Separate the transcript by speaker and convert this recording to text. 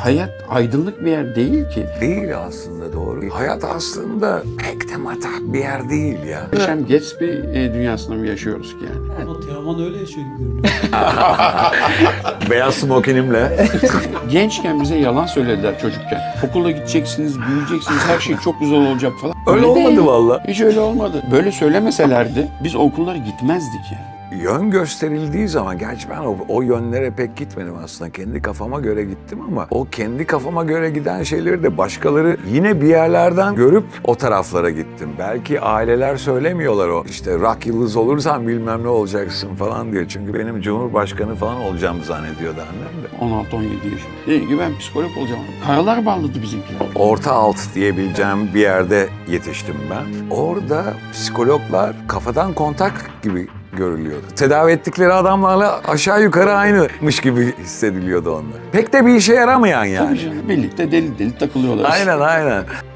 Speaker 1: hayat aydınlık bir yer değil ki.
Speaker 2: Değil aslında, doğru. Hayat aslında pek de matah bir yer değil ya.
Speaker 1: Yaşam Gatsby dünyasında mı yaşıyoruz ki yani?
Speaker 3: Ama Teoman öyle yaşıyor gibi görünüyor.
Speaker 2: Beyaz smokinimle.
Speaker 1: Gençken bize yalan söylediler çocukken. Okula gideceksiniz, büyüyeceksiniz, her şey çok güzel olacak falan.
Speaker 2: Öyle olmadı
Speaker 1: değil.
Speaker 2: vallahi.
Speaker 1: Hiç öyle olmadı. Böyle söylemeselerdi biz okullara gitmezdik yani.
Speaker 2: Yön gösterildiği zaman, gerçi ben o yönlere pek gitmedim aslında. Kendi kafama göre gittim ama o kendi kafama göre giden şeyleri de başkaları yine bir yerlerden görüp o taraflara gittim. Belki aileler söylemiyorlar o. İşte rock yıldız olursan bilmem ne olacaksın falan diye. Çünkü benim cumhurbaşkanı falan olacağımı zannediyordu annem de.
Speaker 1: 16-17 yaşında. Dedi ki ben psikolog olacağım. Karalar bağladı bizimkiler.
Speaker 2: Orta alt diyebileceğim bir yerde yetiştim ben. Orada psikologlar kafadan kontak gibi görülüyordu. Tedavi ettikleri adamlarla aşağı yukarı aynıymış gibi hissediliyordu onlar. Pek de bir işe yaramayan yani.
Speaker 1: Tabii canım. Birlikte deli deli takılıyorlar.
Speaker 2: Aynen.